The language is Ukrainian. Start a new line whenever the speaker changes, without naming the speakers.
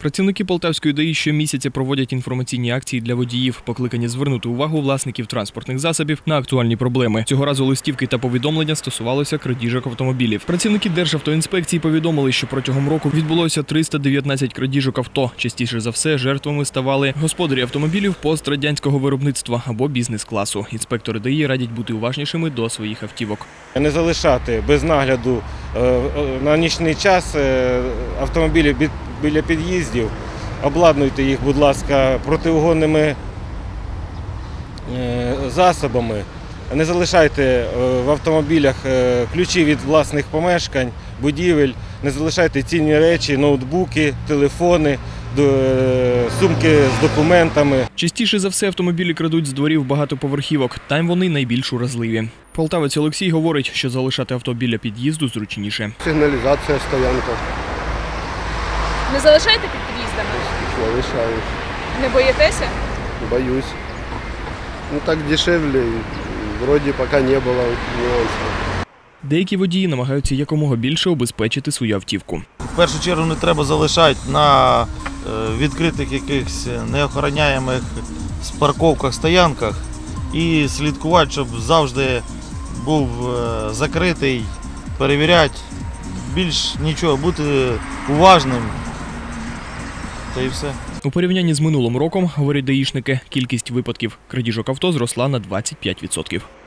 Працівники Полтавської ДАІ щомісяця проводять інформаційні акції для водіїв, покликані звернути увагу власників транспортних засобів на актуальні проблеми. Цього разу листівки та повідомлення стосувалися крадіжок автомобілів. Працівники Державтоінспекції повідомили, що протягом року відбулося 319 крадіжок авто. Частіше за все жертвами ставали господарі автомобілів пострадянського виробництва або бізнес-класу. Інспектори ДАІ радять бути уважнішими до своїх автівок.
Не залишати без нагляду на нічний час автомобілі біля під'їздів, обладнуйте їх, будь ласка, протиугонними засобами. Не залишайте в автомобілях ключі від власних помешкань, будівель, не залишайте цінні речі, ноутбуки, телефони, сумки з документами.
Частіше за все автомобілі крадуть з дворів багатоповерхівок. Там вони найбільш уразливі. Полтавець Олексій говорить, що залишати авто біля під'їзду зручніше.
Сигналізація, стоянка.
Не залишаєте під під'їздами?
Залишаю.
Не боїтеся?
Боюсь. Ну так дешевле, вроде пока не было нюансов.
Деякі водії намагаються якомога більше обезпечити свою автівку.
В першу чергу не треба залишати на відкритих якихось неохороняємих парковках, стоянках і слідкувати, щоб завжди був закритий, перевіряти, більш нічого, бути уважним. Та і все.
У порівнянні з минулим роком, говорять даїшники, кількість випадків крадіжок авто зросла на 25%.